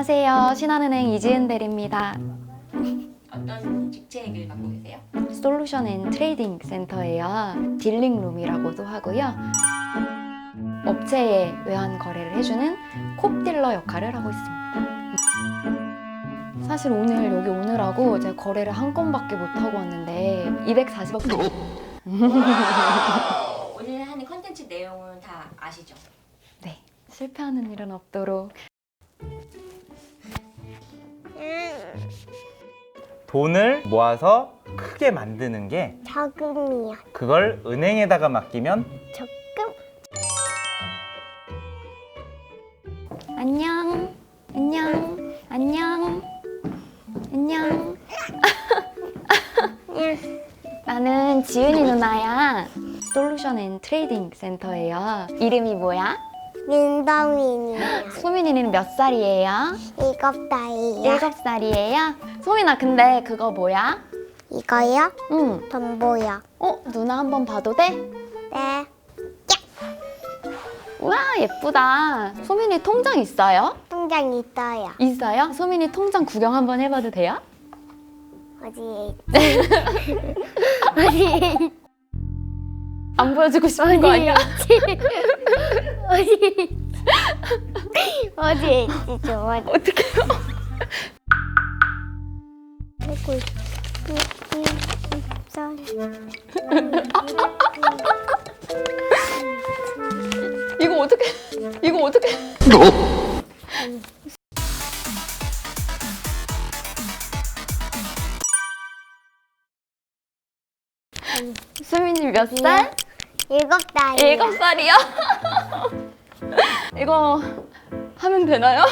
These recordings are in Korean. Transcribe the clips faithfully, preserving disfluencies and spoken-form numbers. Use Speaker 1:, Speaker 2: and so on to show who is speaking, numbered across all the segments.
Speaker 1: 안녕하세요. 신한은행 이지은 대리입니다.
Speaker 2: 어떤 직책을 갖고 계세요?
Speaker 1: 솔루션 앤 트레이딩 센터예요. 딜링룸이라고도 하고요. 업체에 외환 거래를 해주는 콥딜러 역할을 하고 있습니다. 사실 오늘 여기 오느라고 제가 거래를 한 건밖에 못 하고 왔는데 이백사십억 정도.
Speaker 2: 오늘 하는 컨텐츠 내용은 다 아시죠?
Speaker 1: 네, 실패하는 일은 없도록.
Speaker 3: 돈을 모아서 크게 만드는 게
Speaker 4: 저금이요.
Speaker 3: 그걸 은행에다가 맡기면
Speaker 4: 적금?
Speaker 1: 안녕, 안녕, 안녕, 안녕. 나는 지은이 누나야. 솔루션 앤 트레이딩 센터예요. 이름이 뭐야?
Speaker 4: 민더민이요.
Speaker 1: 소민이는 몇 살이에요?
Speaker 4: 일곱 달이요.
Speaker 1: 일곱 살이에요? 소민아, 근데 그거 뭐야?
Speaker 4: 이거요?
Speaker 1: 응.
Speaker 4: 전보요.
Speaker 1: 어, 누나 한번 봐도 돼?
Speaker 4: 네.
Speaker 1: 우와, 예쁘다. 소민이 통장 있어요?
Speaker 4: 통장 있어요.
Speaker 1: 있어요? 소민이 통장 구경 한번 해봐도 돼요?
Speaker 4: 어디에 있지? 어디에 있지?
Speaker 1: 안 보여주고 싶은 거 아니야?
Speaker 4: 어디에 있지? 어디에 있지? 좋아.
Speaker 1: 어떡해요? 이거 어떻게? 이거 어떻게? 수민이 몇 살?
Speaker 4: 일곱 달이요.
Speaker 1: 일곱 살이요? 이거 하면 되나요?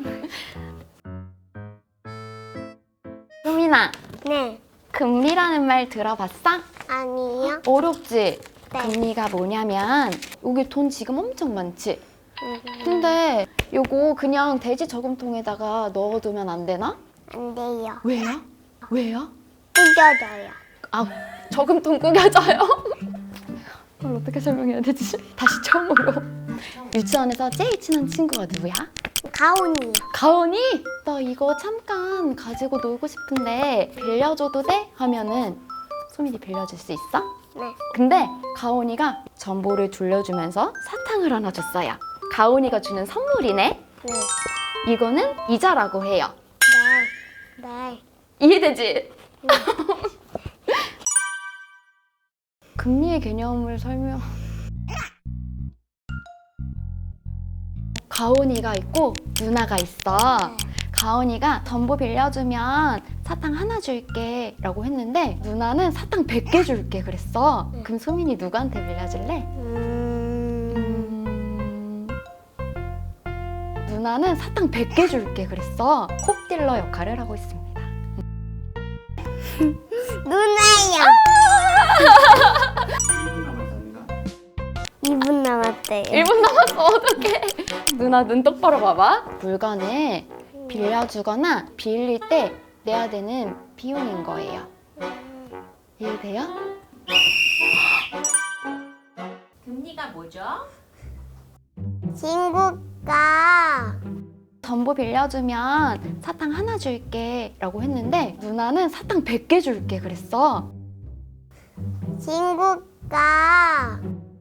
Speaker 1: 수민아,
Speaker 4: 네.
Speaker 1: 금리라는 말 들어봤어?
Speaker 4: 아니요.
Speaker 1: 어렵지?
Speaker 4: 네.
Speaker 1: 금리가 뭐냐면 여기 돈 지금 엄청 많지?
Speaker 4: 음,
Speaker 1: 근데 요거 그냥 대지 저금통에다가 넣어두면 안 되나?
Speaker 4: 안 돼요.
Speaker 1: 왜요? 왜요?
Speaker 4: 뜯겨져요.
Speaker 1: 아, 저금통 꾸겨져요? 그걸 어떻게 설명해야 되지? 다시 처음으로. 유치원에서 제일 친한 친구가 누구야?
Speaker 4: 가온이요.
Speaker 1: 가온이? 나 이거 잠깐 가지고 놀고 싶은데 빌려줘도 돼? 하면은 소민이 빌려줄 수 있어?
Speaker 4: 네.
Speaker 1: 근데 가온이가 전보를 돌려주면서 사탕을 하나 줬어요. 가온이가 주는 선물이네?
Speaker 4: 네.
Speaker 1: 이거는 이자라고 해요.
Speaker 4: 네. 네.
Speaker 1: 이해되지? 금리의 개념을 설명... 가온이가 있고 누나가 있어. 가온이가 전보 빌려주면 사탕 하나 줄게 라고 했는데 누나는 사탕 백 개 줄게 그랬어. 그럼 소민이 누구한테 빌려줄래?
Speaker 4: 음...
Speaker 1: 음... 누나는 사탕 백 개 줄게 그랬어. 콥딜러 역할을 하고 있습니다.
Speaker 4: 누나요. 이 분 남았대요.
Speaker 1: 일 분 남았어. 어떡해. 누나 눈 똑바로 봐봐. 물건을 빌려주거나 빌릴 때 내야 되는 비용인 거예요. 이해돼요?
Speaker 2: 금리가 뭐죠?
Speaker 4: 친구가
Speaker 1: 전보 빌려주면 사탕 하나 줄게 라고 했는데 누나는 사탕 백 개 줄게 그랬어.
Speaker 4: 친구가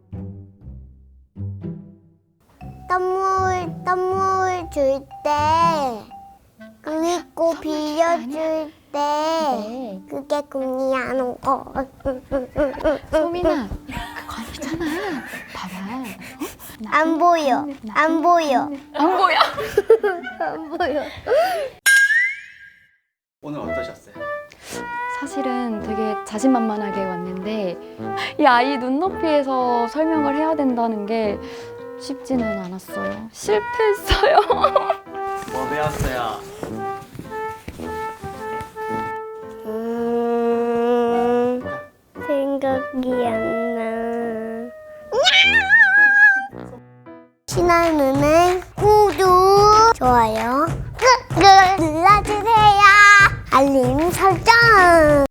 Speaker 4: 선물 선물 줄 때 그리고 빌려줄 때
Speaker 1: 네.
Speaker 4: 그게 금리 하는 거.
Speaker 1: 소민아, 그거 아니잖아. 봐봐. 어?
Speaker 4: 안 보여. 안 보여.
Speaker 1: 안 보여?
Speaker 4: 안 보여.
Speaker 5: 오늘 어떠셨어요?
Speaker 1: 사실은 되게 자신만만하게 왔는데 이 아이 눈높이에서 설명을 해야 된다는 게 쉽지는 않았어요. 실패했어요.
Speaker 5: 뭐 배웠어요?
Speaker 4: 음, 생각이 안 나. 신한은행 구독, 좋아요 꾹꾹 눌러주세요. 알림 설정.